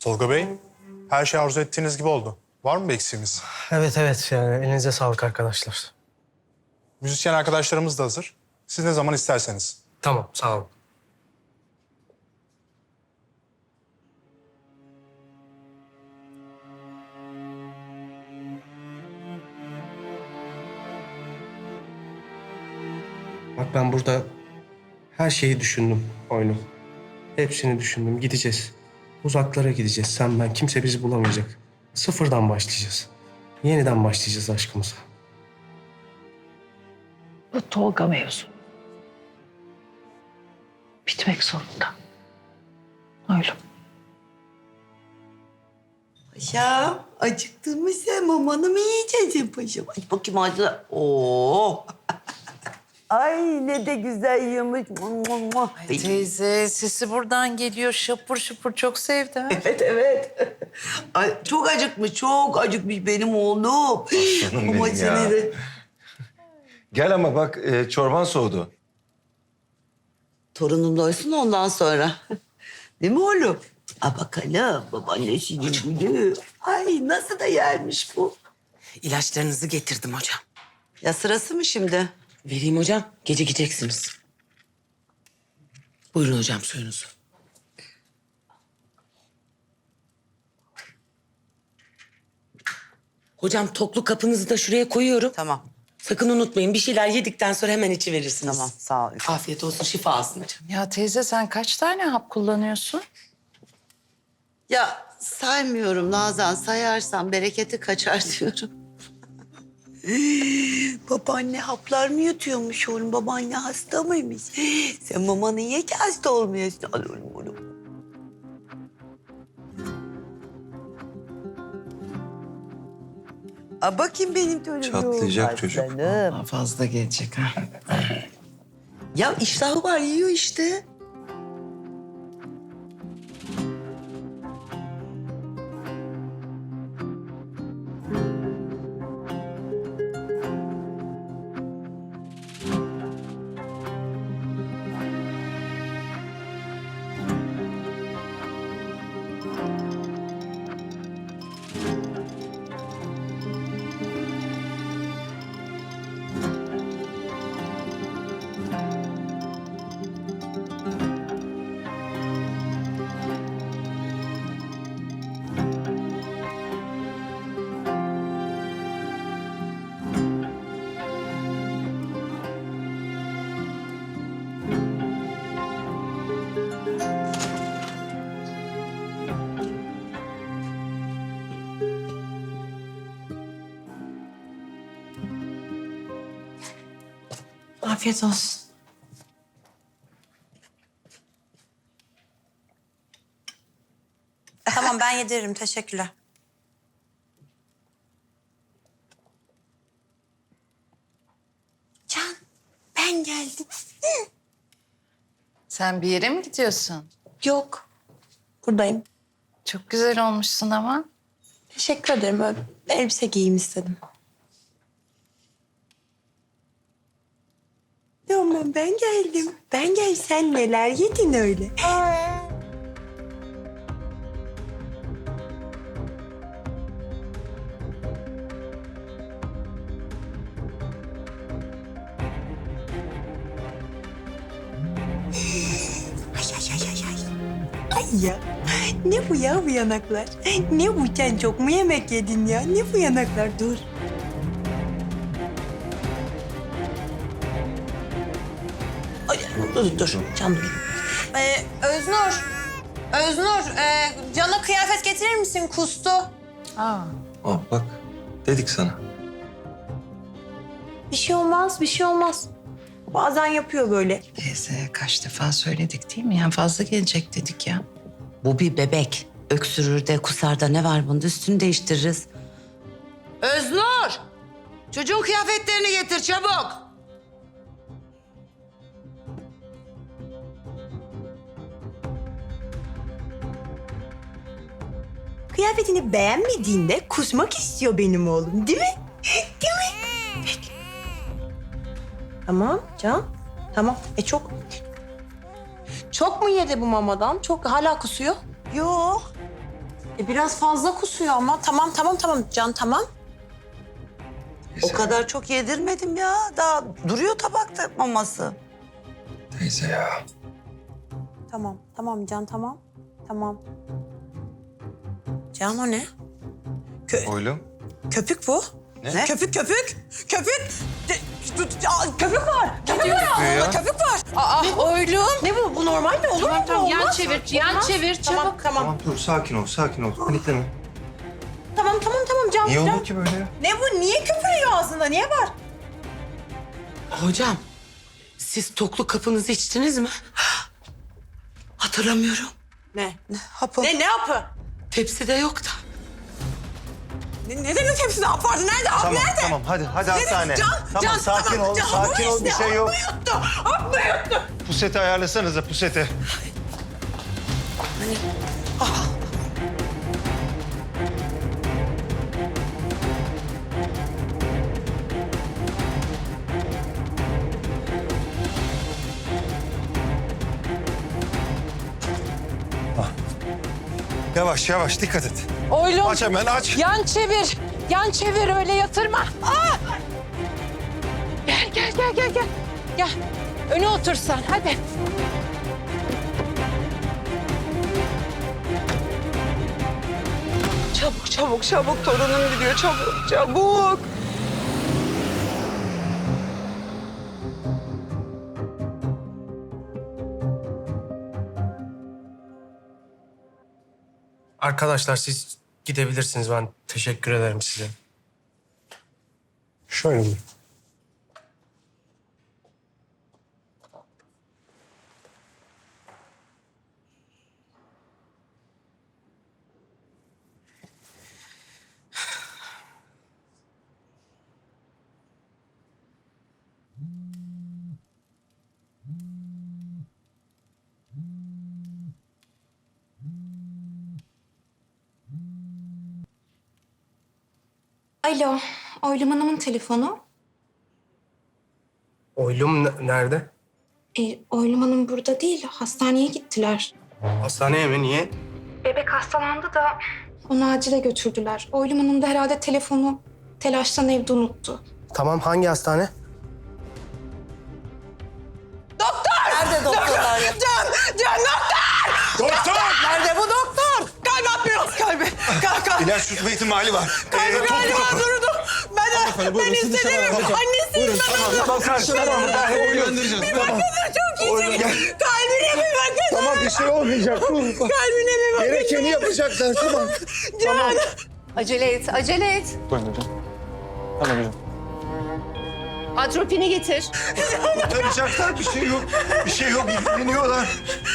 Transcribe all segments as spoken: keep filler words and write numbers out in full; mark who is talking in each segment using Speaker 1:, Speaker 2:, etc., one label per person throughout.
Speaker 1: Tolga Bey, her şey arzu ettiğiniz gibi oldu. Var mı bir eksiğimiz?
Speaker 2: Evet evet yani elinize sağlık arkadaşlar.
Speaker 1: Müzisyen arkadaşlarımız da hazır. Siz ne zaman isterseniz.
Speaker 2: Tamam sağ olun. Bak ben burada her şeyi düşündüm oyunu. Hepsini düşündüm. Gideceğiz. Uzaklara gideceğiz. Sen ben kimse bizi bulamayacak. Sıfırdan başlayacağız. Yeniden başlayacağız aşkımıza.
Speaker 3: Bu Tolga mevzu bitmek zorunda. Öyle.
Speaker 4: Paşam, acıktın mı sen? Mamanı mı yiyeceksin paşam? Aç bakayım ağzına. Oo. Ay ne de güzel yiyormuş.
Speaker 5: Ay teyze sesi buradan geliyor şapur şupur çok sevdi. ha.
Speaker 4: Evet, evet. Ay, çok acıkmış, çok acıkmış benim oğlum.
Speaker 6: Aslanım
Speaker 4: Ama
Speaker 6: benim
Speaker 4: seni
Speaker 6: ya.
Speaker 4: de-
Speaker 6: Gel ama bak e, çorban soğudu.
Speaker 4: Torunum doysun ondan sonra. Değil mi oğlum? A bakalım, babaannesinin gülü. Ay nasıl da yermiş bu.
Speaker 7: İlaçlarınızı getirdim hocam.
Speaker 4: Ya sırası mı şimdi?
Speaker 7: Vereyim hocam, gecikeceksiniz. Buyurun hocam suyunuzu. Hocam toklu kapınızı da şuraya koyuyorum.
Speaker 4: Tamam,
Speaker 7: Sakın unutmayın bir şeyler yedikten sonra hemen içi verirsiniz.
Speaker 4: tamam. Sağ ol.
Speaker 7: Afiyet olsun, şifa olsun hocam.
Speaker 5: Ya teyze sen kaç tane hap kullanıyorsun?
Speaker 4: Ya saymıyorum Nazan. Sayarsam bereketi kaçar diyorum. Babaanne haplar mı yutuyormuş oğlum? Babaanne hasta mıymış? Sen mamanı ye ki hasta olmayasın. Al oğlum oğlum. A bakayım benim torunum.
Speaker 6: Çatlayacak çocuk.
Speaker 4: Aslanım.
Speaker 7: Daha fazla gelecek ha.
Speaker 4: Ya iştahı var yiyor işte.
Speaker 5: Afiyet olsun.
Speaker 8: Tamam ben yediririm. Teşekkürler. Can, ben geldim.
Speaker 5: Sen bir yere mi gidiyorsun?
Speaker 8: Yok, buradayım.
Speaker 5: Çok güzel olmuşsun ama.
Speaker 8: Teşekkür ederim. Öyle elbise giyeyim istedim.
Speaker 4: Tamam ben geldim. Ben gel sen neler yedin öyle? Ay ay ay ay ay. Ay ya. Ne bu ya bu yanaklar? Ne bu sen çok mu yemek yedin ya? Ne bu yanaklar? Dur. Ay, dur dur canım benim.
Speaker 8: Ee, Öznur, Öznur, e, Can'a kıyafet getirir misin? Kustu.
Speaker 5: Aa.
Speaker 6: Aa, bak dedik sana.
Speaker 8: Bir şey olmaz, bir şey olmaz. Bazen yapıyor böyle.
Speaker 5: Teyze kaç defa söyledik değil mi? Yani fazla gelecek dedik ya.
Speaker 4: Bu bir bebek. Öksürür de kusar da ne var bunda? Üstünü değiştiririz. Öznur! Çocuğun kıyafetlerini getir çabuk. Kıyafetini beğenmediğinde kusmak istiyor benim oğlum, değil mi? Değil mi?
Speaker 8: Tamam Can, tamam. E çok... Çok mu yedi bu mamadan? Çok hala kusuyor.
Speaker 4: Yok.
Speaker 8: E, biraz fazla kusuyor ama. Tamam tamam tamam Can tamam.
Speaker 4: O kadar çok yedirmedim ya. Daha duruyor tabakta maması.
Speaker 6: Teyze ya.
Speaker 8: Tamam tamam Can tamam. Tamam. Can o ne? Kö
Speaker 6: Oğlum.
Speaker 8: köpük bu.
Speaker 6: Ne?
Speaker 8: Köpük köpük. Köpük. De- Aa, köpük var. Köpük var ağzında köpük var. Aa oylum. Ne bu? Bu normal mi? Olur mu?
Speaker 5: Tamam tamam yan
Speaker 8: Olmaz.
Speaker 5: çevir, yan
Speaker 8: Olmaz.
Speaker 5: çevir
Speaker 8: Tamam
Speaker 5: çabuk.
Speaker 8: tamam.
Speaker 6: Tamam dur sakin ol sakin ol. Panikleme.
Speaker 8: Tamam tamam tamam Can.
Speaker 6: Niye
Speaker 8: Can.
Speaker 6: olur ki böyle ya?
Speaker 8: Ne bu? Niye köpürüyor ağzında? Niye var?
Speaker 7: Hocam, siz toklu kapınızı içtiniz mi? Hatırlamıyorum.
Speaker 8: Ne?
Speaker 4: Hapı.
Speaker 8: Ne ne yapı?
Speaker 7: Tepside yok da.
Speaker 8: Ne, ne demek hepsinde hap vardı? Nerede? Hap
Speaker 6: Tamam
Speaker 8: nerede?
Speaker 6: tamam hadi hadi
Speaker 8: Ne
Speaker 6: hastane.
Speaker 8: demek? Can,
Speaker 6: Tamam
Speaker 8: Can,
Speaker 6: sakin
Speaker 8: tamam.
Speaker 6: ol
Speaker 8: Can,
Speaker 6: sakin
Speaker 8: bu
Speaker 6: ol bir
Speaker 8: işte,
Speaker 6: şey yok.
Speaker 8: Hap mı yuttu? Hap mı yuttu?
Speaker 6: Puseti ayarlasanıza puseti. Ah. Yavaş yavaş dikkat et.
Speaker 5: Oylum.
Speaker 6: Aç hemen aç.
Speaker 5: Yan çevir. Yan çevir öyle yatırma. Aa! Gel gel gel gel gel. Gel. Öne otur sen hadi.
Speaker 8: Çabuk çabuk çabuk torunum gidiyor çabuk çabuk.
Speaker 2: Arkadaşlar siz gidebilirsiniz. Ben teşekkür ederim size. Şöyle buyurun.
Speaker 9: Alo, Oylum Hanım'ın telefonu.
Speaker 2: Oylum ne- nerede?
Speaker 9: E, Oylum Hanım burada değil, hastaneye gittiler.
Speaker 2: Hastaneye mi? Niye?
Speaker 9: Bebek hastalandı da onu acile götürdüler. Oylum Hanım da herhalde telefonu telaştan evde unuttu.
Speaker 2: Tamam, hangi hastane?
Speaker 4: Nerede doktorlar ya?
Speaker 8: Can, Can doktor!
Speaker 6: Doktor!
Speaker 8: Nerede bu doktor? Kalp atmıyor. Kalbi, kalp, kalp.
Speaker 6: İlaç tutma ihtimali var.
Speaker 8: Kalbi
Speaker 6: Ee,
Speaker 8: galiba
Speaker 6: toplu kapı.
Speaker 8: durdu. Ben, ben istemiyorum. Annesiyim ben onun.
Speaker 6: Tamam karşı tamam. Ben göndereceğiz. Tamam.
Speaker 8: Çok iyisin. Kalbine mi bakın?
Speaker 6: Tamam bir şey olmayacak.
Speaker 8: Kalbine mi bakın?
Speaker 6: Gerekeni yapacaklar tamam.
Speaker 8: Can.
Speaker 5: Acele et, acele et.
Speaker 1: Buyurun hocam. Hemen hocam.
Speaker 5: Atropini getir.
Speaker 6: Kurtaracaklar bir şey yok. Bir şey yok ilgileniyorlar.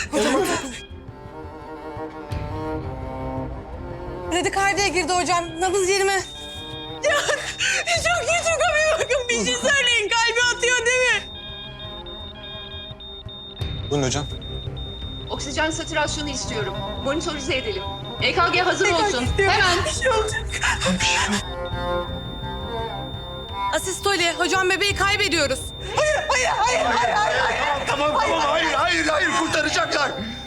Speaker 8: Radikardiye girdi hocam. Nabız yerime. Can. Çok iyi çok abi bakın. Bir şey söyleyin. Kalbi atıyor değil mi?
Speaker 1: Buyurun hocam.
Speaker 10: Oksijen satürasyonu istiyorum. Monitorize edelim. E K G hazır olsun. Hemen.
Speaker 8: Bir şey olacak. Asistole. Hocam bebeği kaybediyoruz. Hayır, hayır, hayır, hayır, hayır. hayır.
Speaker 6: Tamam tamam hayır hayır hayır kurtaracaklar.